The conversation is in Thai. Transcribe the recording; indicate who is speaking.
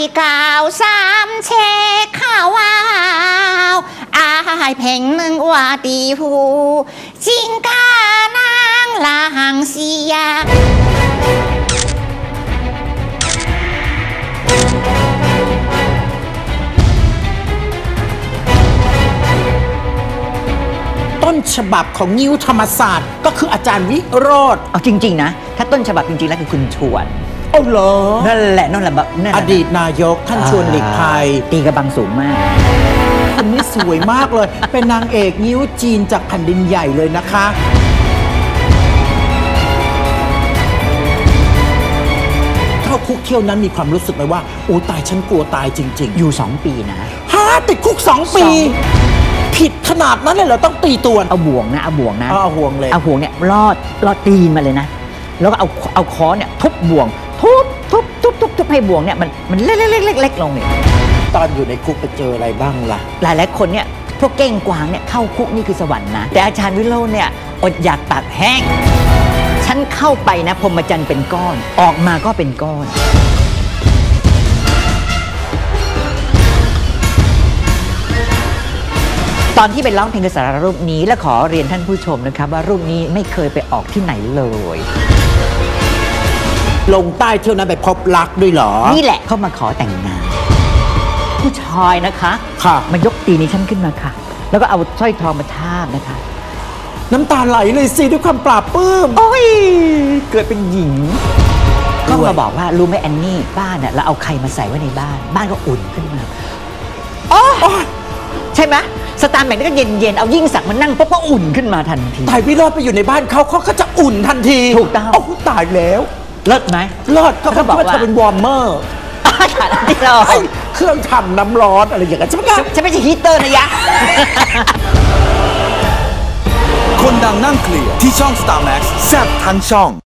Speaker 1: กาว3เชข้าวาวอายเพ่งหนึ่งว่าตีหูจิงกานางลางเสีย
Speaker 2: ต้นฉบับของงิ้วธรรมศาสตร์ก็คืออาจารย์วิโรธ
Speaker 3: เอาจริงๆนะถ้าต้นฉบับจริงๆแล้วคือคุณชวน
Speaker 2: โอ้เหรอ
Speaker 3: นั่นแหละ
Speaker 2: อดีตนายกท่านชวนหลีกภัย
Speaker 3: ตีกระบังสูงมาก
Speaker 2: คนนี้สวยมากเลยเป็นนางเอกงิ้วจีนจากแผ่นดินใหญ่เลยนะคะเข้าคุกเที่ยวนั้นมีความรู้สึกไหมว่าโอ้ตายฉันกลัวตายจริงๆ
Speaker 3: อยู่2 ปีนะ
Speaker 2: ติดคุก2 ปีผิดขนาดนั้นเลยเหรอต้องตีตัว
Speaker 3: เอาบ่วงนะเอาบ่วงเลยเอาบ่วงเนี่ยลอดตีนมาเลยนะแล้วก็เอาค้อนเนี่ยทุบบ่วงทุบให้บ่วงเนี่ยมันเล็กลงเนี่ย
Speaker 2: ตอนอยู่ในคุกไปเจออะไรบ้างล่ะ
Speaker 3: หลายคนเนี่ยพวกเก้งกวางเนี่ยเข้าคุกนี่คือสวรรค์นะแต่อาจารย์วิโรจน์เนี่ยอดอยากปากแห้งฉันเข้าไปนะพรหมจรรย์เป็นก้อนออกมาก็เป็นก้อนตอนที่ไปร้องเพลงกระแสรูปนี้และขอเรียนท่านผู้ชมนะครับว่ารูปนี้ไม่เคยไปออกที่ไหนเลย
Speaker 2: ลงใต้เที่ยวนั้นไปพบรักด้วยเหรอ
Speaker 3: นี่แหละเขามาขอแต่งงานผู้ชายนะคะ
Speaker 2: ค่ะ
Speaker 3: มายกตีนี้ฉันขึ้นมาค่ะแล้วก็เอาสร้อยทองมาทาบนะคะ
Speaker 2: น้ำตาไหลเลยสิด้วยความปราบปลื้ม
Speaker 3: โอ้ยเกิดเป็นหญิงก็มาบอกว่ารู้ไหมแอนนี่บ้านเนี่ยเราเอาใครมาใส่ไว้ในบ้านก็อุ่นขึ้นมาอ๋อใช่ไหมสตาร์แมนก็เย็นเอายิ่งศักดิ์มานั่งปุ๊บก็อุ่นขึ้นมาทันที
Speaker 2: ตายวิโรจน์ไปอยู่ในบ้านเขาก็จะอุ่นทันที
Speaker 3: ถูกต้อง
Speaker 2: โอ้ตายแล้ว
Speaker 3: เลิศไหม
Speaker 2: เลิศเขาบอกว่าจะเป็นวอร์มเมอร์
Speaker 3: ที่เรา
Speaker 2: เครื่องทำน้ำร้อนอะไรอย่างเงี้ยใช่ไหม
Speaker 3: ฉันไม่ใช่ฮีเตอร์นะยะ
Speaker 4: คนดังนั่งเคลียร์ที่ช่อง Star Max แซ่บทั้งช่อง